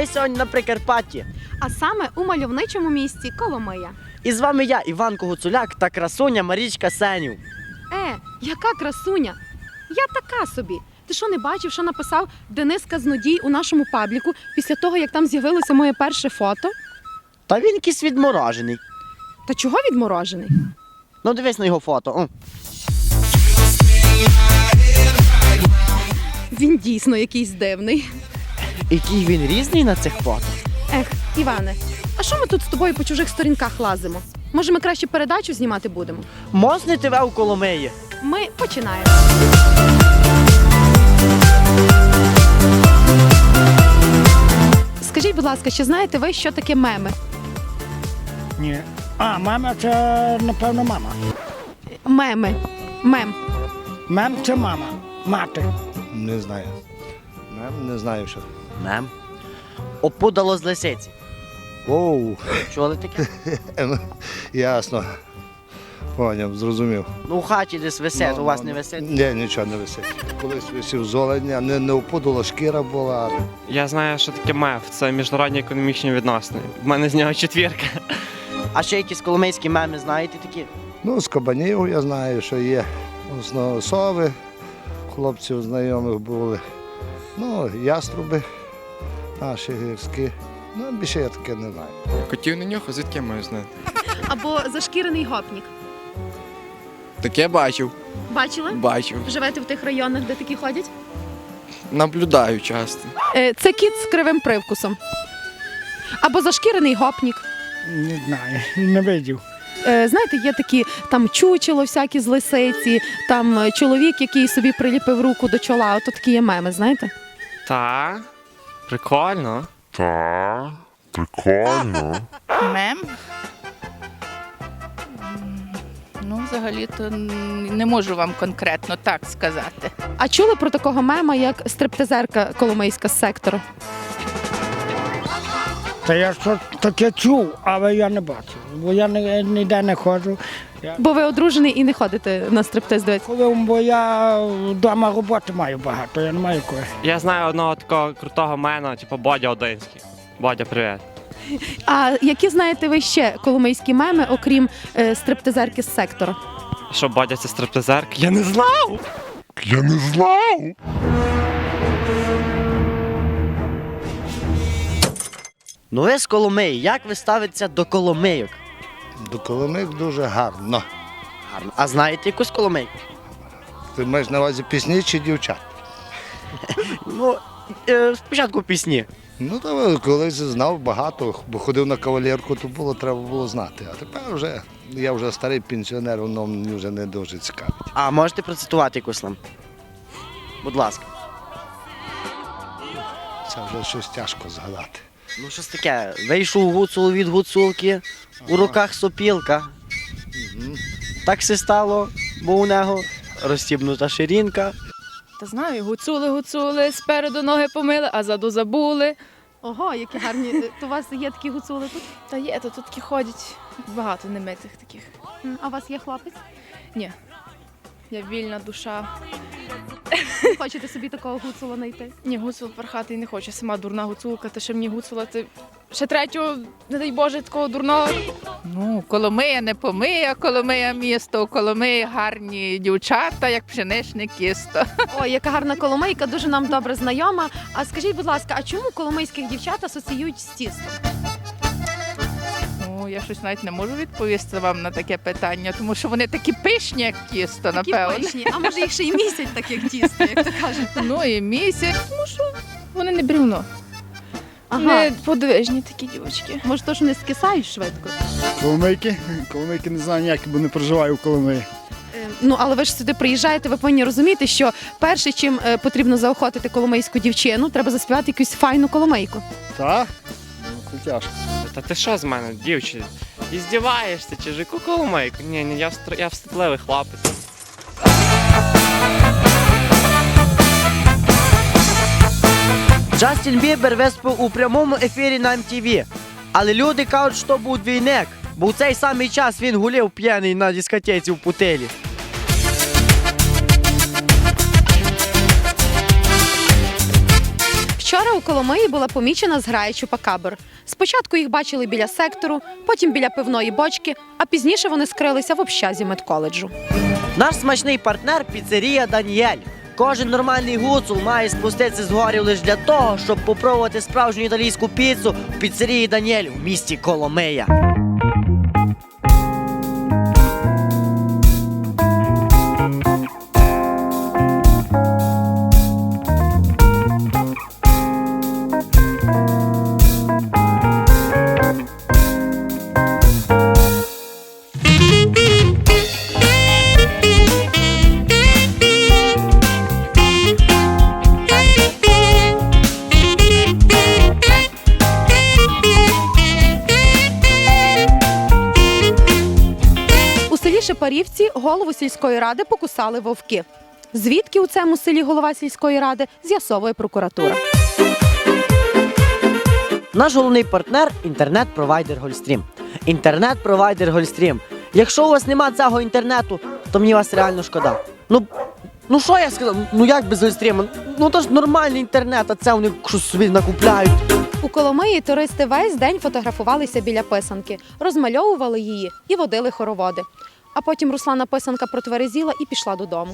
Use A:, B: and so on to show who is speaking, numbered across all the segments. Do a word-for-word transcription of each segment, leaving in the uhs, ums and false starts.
A: сьогодні на Прикарпатті.
B: А саме у мальовничому місті Коломия.
A: І з вами я, Іванко Гуцуляк та красуня Марічка Сенів.
B: Е, яка красуня! Я така собі. Ти що, не бачив, що написав Денис Казнодій у нашому пабліку після того, як там з'явилося моє перше фото?
A: Та він якийсь відморожений.
B: Та чого відморожений?
A: Ну дивись на його фото. О.
B: Він дійсно якийсь дивний.
A: Який він різний на цих фото.
B: Ех, Іване, а що ми тут з тобою по чужих сторінках лазимо? Може, ми краще передачу знімати будемо?
A: Мосне ТВ у Коломиї.
B: Ми починаємо. Скажіть, будь ласка, чи знаєте ви, що таке меми?
C: Ні. А, мама це, напевно, мама.
B: Меми. Мем.
C: Мем це мама. Мати.
D: Не знаю. Не, не знаю, що.
A: Мем. Опудало з лисиці.
D: Оу,
A: Чули таке?
D: ясно. Поняв, зрозумів.
A: Ну у хаті десь висить,
D: Ну,
A: у вас
D: ну,
A: не
D: ну.
A: висить?
D: Ні, нічого не висить. Колись висів золення, не, не опудало, шкіра була.
E: Я знаю, що таке МЕФ. Це міжнародні економічні відносини. В мене з нього четвірка.
A: А ще якісь коломийські меми знаєте такі?
D: Ну, з кабанів я знаю, що є. Основно сови, хлопців знайомих були. Ну, яструби наші гірські. Ну, більше я таке не знаю.
F: Котів на нього, звідки я маю знати?
B: Або зашкірений гопнік.
F: Таке бачив,
B: Бачили?
F: бачив.
B: Живете в тих районах, де такі ходять?
F: Наблюдаю часто.
B: Е, це кіт з кривим привкусом. Або зашкірений гопнік.
C: Не знаю, не видів.
B: Е, знаєте, є такі там чучело всякі з лисиці, там е, чоловік, який собі приліпив руку до чола, ото такі є меми, знаєте?
E: Та, прикольно.
G: Та, прикольно.
H: Мем? М, Ну, взагалі-то н- не можу вам конкретно так сказати.
B: А чули про такого мема, як стриптизерка коломийська з сектору?
C: Та я що таке чув, але я не бачив. Бо я ні- ніде не ходжу. Я,
B: Бо ви одружений і не ходите на стриптиз, дивитися.
C: коли бо я вдома роботи маю багато, я не маю кого.
E: Я знаю одного такого крутого мена, типу Бодя Одинський. Бодя, привіт.
B: А які знаєте ви ще коломийські меми, окрім е, стриптизерки з сектору?
E: Що, Бодя це стриптизерка? Я не знав!
G: Я не знав.
A: Ну ви з Коломиї, як ви ставитеся до коломийок?
D: До Коломик дуже гарно.
A: Гарно. А знаєте якусь коломийку?
D: Ти маєш на увазі пісні чи дівчат?
A: Ну, е, спочатку пісні.
D: Ну, то колись знав багато, бо ходив на кавалерку, то було, треба було знати. А тепер вже, я вже старий пенсіонер, воно мені вже не дуже цікавить.
A: А можете процитувати якусь нам? Будь ласка.
D: Це вже щось тяжко згадати.
A: Ну щось таке. Вийшов гуцул від гуцулки, у руках сопілка. Так все стало, бо у нього розстібнута ширинка.
I: Та знаю, гуцули, гуцули, спереду ноги помили, а заду забули.
B: Ого, які гарні. То у вас є такі гуцули тут?
I: Та є, то тут такі ходять багато немитих таких.
B: А у вас є хлопець?
I: Ні. Я вільна душа.
B: Хочете собі такого гуцула знайти?
I: Ні, гуцул пархати не хочу. Сама дурна гуцулка, та ще мені гуцула, це ще третього, не дай Боже, такого дурного.
H: Ну, Коломия не помия, Коломия місто, у Коломиї гарні дівчата, як пшеничне кісто.
B: Ой, яка гарна коломийка, дуже нам добре знайома. А скажіть, будь ласка, а чому коломийських дівчат асоціюють з тістом?
H: Ну, я щось навіть не можу відповісти вам на таке питання, тому що вони такі пишні, як тісто,
B: Такі
H: напевно.
B: пишні, а може їх ще й місяць, так як тісто, як то кажуть.
H: Ну і місяць.
I: Тому що вони не брівно.
B: Ага,
I: Не подвижні такі дівчатки.
B: може то, що не скисають швидко?
C: Коломийки? Коломийки не знаю ніякі, бо не проживаю в Коломиї.
B: Е, Ну, але ви ж сюди приїжджаєте, ви повинні розуміти, що перше, чим е, потрібно заохотити коломийську дівчину, треба заспівати якусь файну коломийку.
C: Так? Ну, це тяжко.
E: Та ти що з мене, дівчина? І здіваєшся, чи ж яку коломийку? Ні, ні, я, встр... я вступливий хлопець.
A: Джастін Бібер виступив у прямому ефірі на ем ті ві. Але люди кажуть, що був двійник, бо в цей самий час він гуляв п'яний на дискотеці в Путилі.
B: Вчора у Коломиї була помічена зграя чупакабр. Спочатку їх бачили біля сектору, потім біля пивної бочки, а пізніше вони скрилися в общазі медколеджу.
A: Наш смачний партнер – піцерія Даніель. Кожен нормальний гуцул має спуститися з горів лише для того, щоб попробувати справжню італійську піцу в піцерії Даніель в місті Коломия.
B: У селі Шепарівці голову сільської ради покусали вовки. Звідки у цьому селі голова сільської ради, з'ясовує прокуратура.
A: Наш головний партнер – інтернет-провайдер Гольстрім. Інтернет-провайдер Гольстрім. Якщо у вас нема цього інтернету, то мені вас реально шкода. Ну, ну що я сказав? Ну як без Гольстріма? Ну то ж нормальний інтернет, а це вони щось собі накупляють.
B: У Коломиї туристи весь день фотографувалися біля писанки, розмальовували її і водили хороводи. А потім Руслана писанка протверезіла і пішла додому.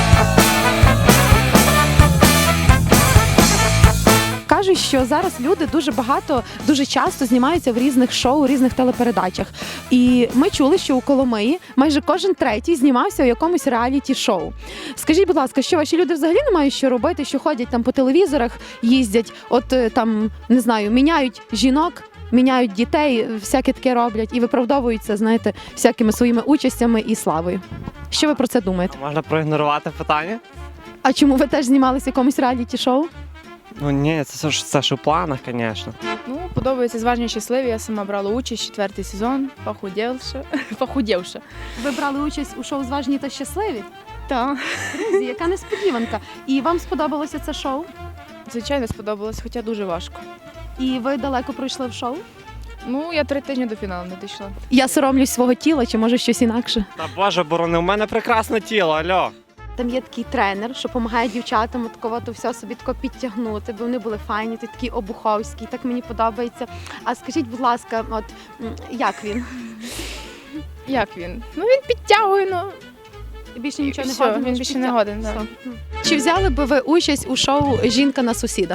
B: Кажуть, що зараз люди дуже багато, дуже часто знімаються в різних шоу, різних телепередачах. І ми чули, що у Коломиї майже кожен третій знімався у якомусь реаліті-шоу. Скажіть, будь ласка, що ваші люди взагалі не мають що робити, що ходять там по телевізорах, їздять, от е, там, не знаю, міняють жінок, міняють дітей, всяке таке роблять і виправдовуються, знаєте, всякими своїми участями і славою. Що ви про це думаєте?
E: Можна проігнорувати питання?
B: А чому ви теж знімалися в якомусь реаліті-шоу?
E: Ну ні, це ж це ж у планах, звісно.
I: Ну, подобається «Зважні щасливі». Я сама брала участь, четвертий сезон, похудівша. похудівша.
B: Ви брали участь у шоу «Зважні та щасливі»?
I: Так,
B: Друзі, яка несподіванка. І вам сподобалося це шоу?
I: звичайно, сподобалось, хоча дуже важко.
B: І ви далеко пройшли в шоу?
I: Ну, я три тижні до фіналу не дійшла.
B: Я соромлюсь свого тіла, чи може щось інакше?
E: Та боже, борони, у мене прекрасне тіло, альо.
B: Там є такий тренер, що допомагає дівчатам такого то все собі тако підтягнути, бо вони були файні, ти такий обуховський, так мені подобається. А скажіть, будь ласка, от м, як він?
I: Як він? Ну, він підтягує, ну,
B: Більше нічого не
I: все,
B: годен?
I: він
B: лише
I: більше не
B: підтяг-
I: годен. Да.
B: Все. Чи взяли би ви участь у шоу «Жінка на сусіда»?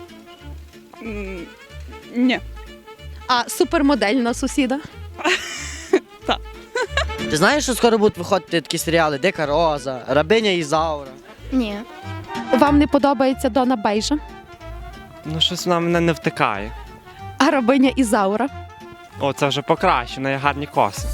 J: Ні.
B: А супермодель на сусіда?
A: Ти знаєш, що скоро будуть виходити такі серіали «Дика Роза», «Рабиня Ізаура».
I: Ні.
B: Вам не подобається Дона Бейжа?
E: Ну щось вона мене не втикає.
B: А рабиня Ізаура?
E: О, це вже покраще, в неї гарні коси.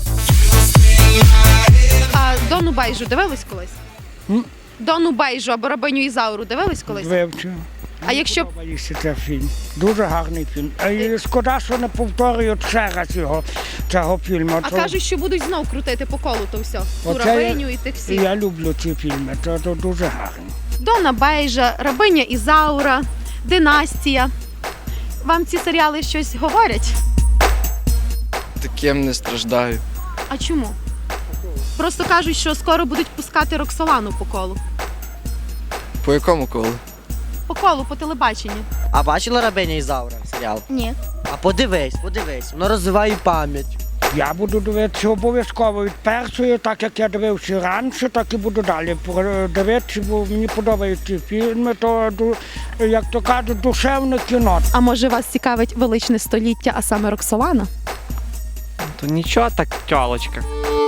B: А Дону Бейжу дивились колись?
C: М?
B: Дону Бейжу або рабиню Ізауру дивились колись?
C: Вивчив.
B: А якщо б
C: Подобається цей фільм. Дуже гарний фільм. А і шкода, що не повторюють ще раз його, цього фільму.
B: а
C: То-
B: кажуть, що будуть знов крутити по колу то все. Ту
C: Оце
B: рабиню і тих всіх.
C: Я люблю ці фільми, це, це дуже гарно.
B: Дона Бейжа, рабиня Ізаура, Династія. Вам ці серіали щось говорять?
F: Таким не страждаю.
B: А чому? Просто кажуть, що скоро будуть пускати Роксолану по колу.
F: По якому колу?
B: По колу, по телебаченню.
A: А бачила «Рабиня Ізаура» серіал?
I: Ні.
A: А подивись, подивись, воно розвиває пам'ять.
C: Я буду дивитися обов'язково від першої, так як я дивився раніше, так і буду далі дивитися, бо мені подобаються ці фільми, то, ду- як то кажуть, душевне кіно.
B: А може вас цікавить величне століття, а саме Роксолана?
E: То нічого так, тьолочка.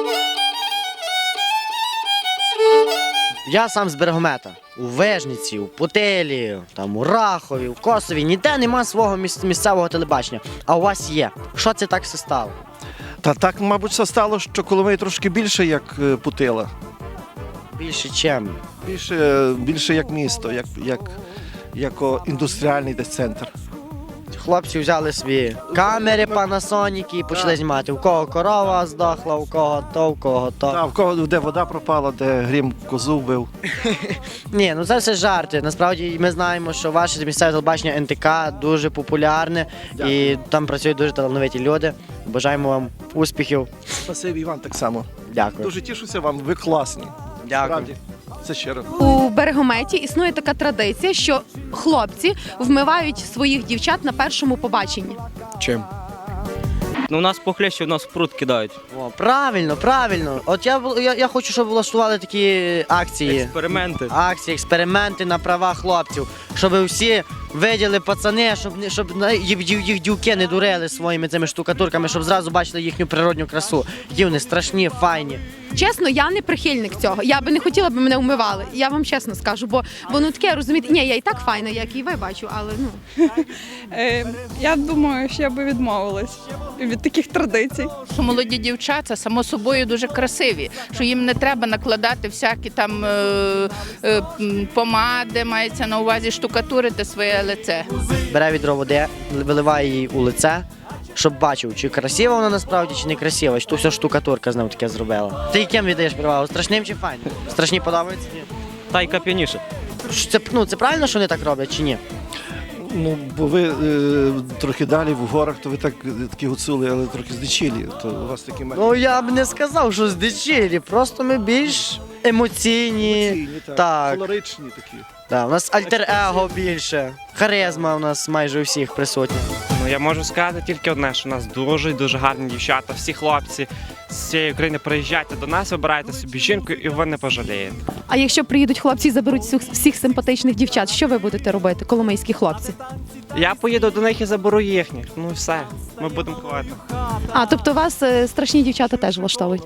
A: Я сам з Берегомета. У Вижниці, у Путилі, там у Рахові, у Косові. Ніде нема свого міс- місцевого телебачення. А у вас є. Що це так все стало?
K: Та так, мабуть, все стало, що Коломия трошки більше як е, Путила.
A: Більше чим?
K: Більше, більше як місто, як, як, як о, індустріальний десь центр.
A: Хлопці взяли свої камери Panasonic і почали знімати. У кого корова здохла, у кого то, у кого то.
K: Та, в кого де вода пропала, де грім козу вбив.
A: Ні, ну це все жарти. Насправді ми знаємо, що ваше місцеве телебачення ен те ка дуже популярне і там працюють дуже талановиті люди. Бажаємо вам успіхів.
K: Спасибі, Іван, так само.
A: Дякую.
K: Дуже тішуся вам, ви класні.
A: Дякую.
K: Справді. це щиро.
B: У Берегометі існує така традиція, що хлопці вмивають своїх дівчат на першому побаченні.
F: Чим?
E: Ну, у нас похлеще, у нас в пруд кидають.
A: О, правильно, правильно. От я, бу- я, я хочу, щоб влаштували такі акції.
E: Експерименти.
A: Акції, експерименти на права хлопців, щоб всі виділи пацани, щоб, не- щоб на- їх, їх, їх дівки не дурили своїми цими штукатурками, щоб зразу бачили їхню природню красу. Які вони страшні, файні.
B: Чесно, я не прихильник цього. Я би не хотіла, аби мене вмивали. Я вам чесно скажу, бо воно таке, розумієте, ні, я і так файна, як і ви бачу, але ну.
I: Е, я думаю, що я би відмовилась від таких традицій.
H: Що молоді дівчата само собою дуже красиві, що їм не треба накладати всякі там е, е, м, помади, мається на увазі штукатурити своє лице.
A: Бере відро води, виливає її у лице, щоб бачив, чи красива вона насправді, чи не красива, чи то вся штукатурка з ним таке зробила. Ти яким віддаєш перевагу? Страшним чи файним? Страшні подобаються? Ні.
E: Та й кап'яніше.
A: Ш- Це, ну, це правильно, що вони так роблять, чи ні?
K: Ну, бо ви е, трохи далі в горах, то ви так е, такі гуцули, але трохи здичілі. То у вас такі маленькі.
A: Ну я б не сказав, що здичілі, просто ми більш емоційні.
K: Емоційні, так,
A: так.
K: колоричні такі.
A: Да, у нас альтер-его більше. Харизма у нас майже у всіх присутня.
E: Ну, я можу сказати тільки одне, що у нас дуже дуже гарні дівчата, всі хлопці з цієї України приїжджайте до нас, вибирайте собі жінку і ви не пожалієте.
B: А якщо приїдуть хлопці і заберуть всіх, всіх симпатичних дівчат, що ви будете робити, коломийські хлопці?
E: Я поїду до них і заберу їхніх. Ну і все, ми будемо ходити.
B: А, тобто вас е, страшні дівчата теж влаштовують?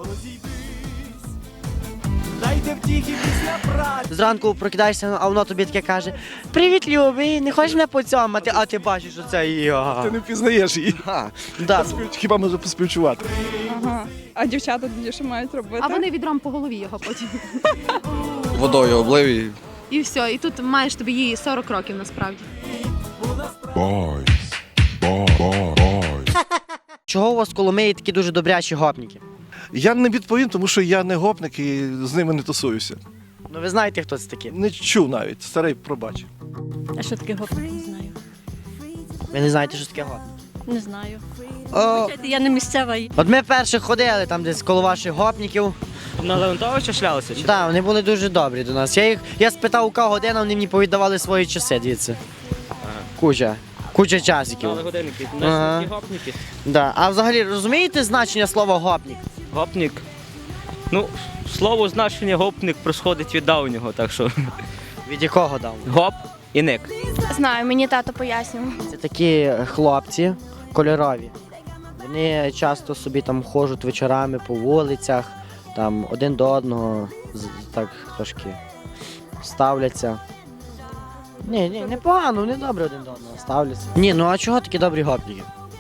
A: Зранку прокидаєшся, а воно тобі таке каже: привіт, любий, не хочеш мене поцьомати, а ти бачиш, що це я.
K: Ти не впізнаєш її.
A: Да.
K: Хіба може поспівчувати?
I: Ага. А дівчата тоді що мають робити?
B: А вони відром по голові його потім.
F: Водою облив і
B: І все, і тут маєш тобі її сорок років насправді.
G: Boys. Boy, boy, boys.
A: Чого у вас в Коломиї такі дуже добрячі гопніки?
K: Я не відповім, тому що я не гопник і з ними не тусуюся.
A: Ну ви знаєте, хто це такі?
K: Не чув навіть, старий пробач.
J: А що таке гопник? Не знаю.
A: Ви не знаєте, що таке гопник?
J: Не знаю.
A: О,
J: Я не місцева.
A: от ми перші ходили там десь коло ваших гопників.
E: На Леонтовича шлялися?
A: Так, да, вони були дуже добрі до нас. Я їх я спитав, у кого година, вони мені повіддавали свої часи, дивіться. Куча. Куча часиків.
E: годинники,
A: Ага.
E: гопники.
A: Да. А взагалі розумієте значення слова гопник?
E: Гопник. Ну, слово значення гопник присходить від давнього, так що
A: Від якого дав?
E: гоп і ник.
I: Знаю, мені тато пояснював.
A: Це такі хлопці кольорові. Вони часто собі там ходжуть вечорами по вулицях, там один до одного з- так трошки ставляться. Ні, ні, непогано, вони добре один до одного ставляться. Ні, ну а чого такі добрі гопніки?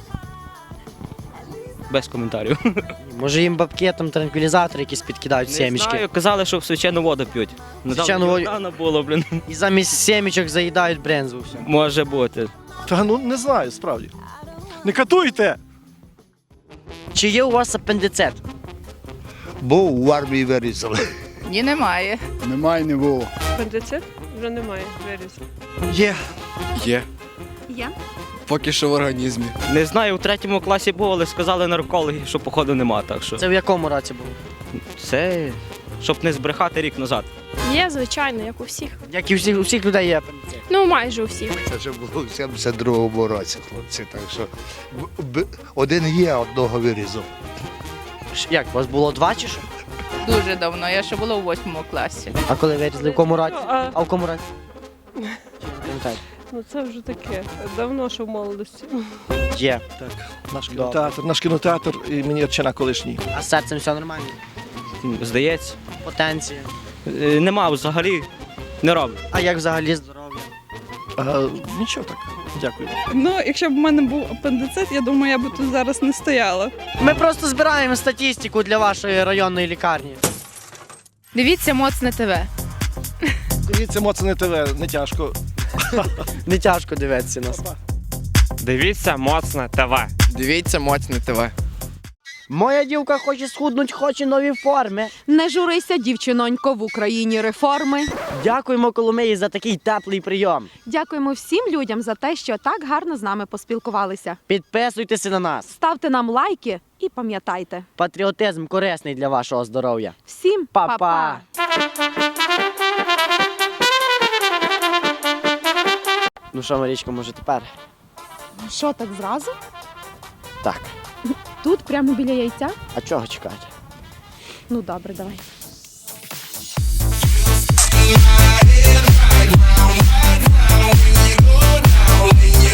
E: Без коментарів.
A: Може їм бабки там транквілізатори якісь підкидають
E: Не
A: сімечки.
E: знаю, казали, що в свячену воду п'ють.
A: Свячену воду-
E: Недавно було, блін.
A: І замість сімечок заїдають брензу все.
E: Може бути.
K: Та ну не знаю, справді. Не катуйте!
A: Чи є у вас апендицит?
D: Був в армії вирізали.
H: Ні, немає.
D: Немає, не було.
I: Апендицит? Вже немає, виріс.
K: Є.
F: є.
B: Я?
F: Поки що в організмі.
E: Не знаю, у третьому класі було, але сказали наркологи, що походу нема, так що.
A: Це в якому році було?
E: Це щоб не збрехати рік назад.
I: Є, звичайно, як у всіх.
A: Як і у всіх, у всіх людей є апендицит.
I: Ну, майже у всіх.
D: Це вже було в сімдесят другому році, хлопці. Так що б- б- один є, одного вирізав.
A: Ш- Як, у вас було два чи що?
H: Дуже давно. Я ще була у восьмому класі.
A: А коли вирізали, в якому році?
I: А,
A: А в якому році? Чи не пам'ятаєте?
I: ну це вже таке. Давно, що в молодості.
A: Є.
K: Так, наш кінотеатр, наш кінотеатр і мені отчина колишній.
A: А з серцем все нормально?
E: Здається.
A: Потенція.
E: Е, Нема взагалі, не роблю.
A: А як взагалі здоров'я?
K: А, нічого так, дякую.
I: Ну, якщо б в мене був апендицит, я думаю, я б тут зараз не стояла.
A: Ми просто збираємо статистику для вашої районної лікарні.
I: Дивіться Моцне ТВ.
K: Дивіться, Моцне ТВ, не тяжко.
A: Не тяжко дивитися нас.
E: Дивіться, моцне ТВ.
F: Дивіться, моцне ТВ.
A: Моя дівка хоче схуднуть, хоче нові форми.
B: Не журися, дівчинонько, в Україні реформи.
A: Дякуємо Коломиї за такий теплий прийом.
B: Дякуємо всім людям за те, що так гарно з нами поспілкувалися.
A: Підписуйтеся на нас.
B: Ставте нам лайки і пам'ятайте.
A: Патріотизм корисний для вашого здоров'я.
B: Всім
A: Па-па!
B: па-па!
A: Ну що, Марічко, може тепер?
B: Що так зразу?
A: Так.
B: Тут, прямо біля яйця?
A: А чого чекати?
B: Ну добре, давай.
G: When you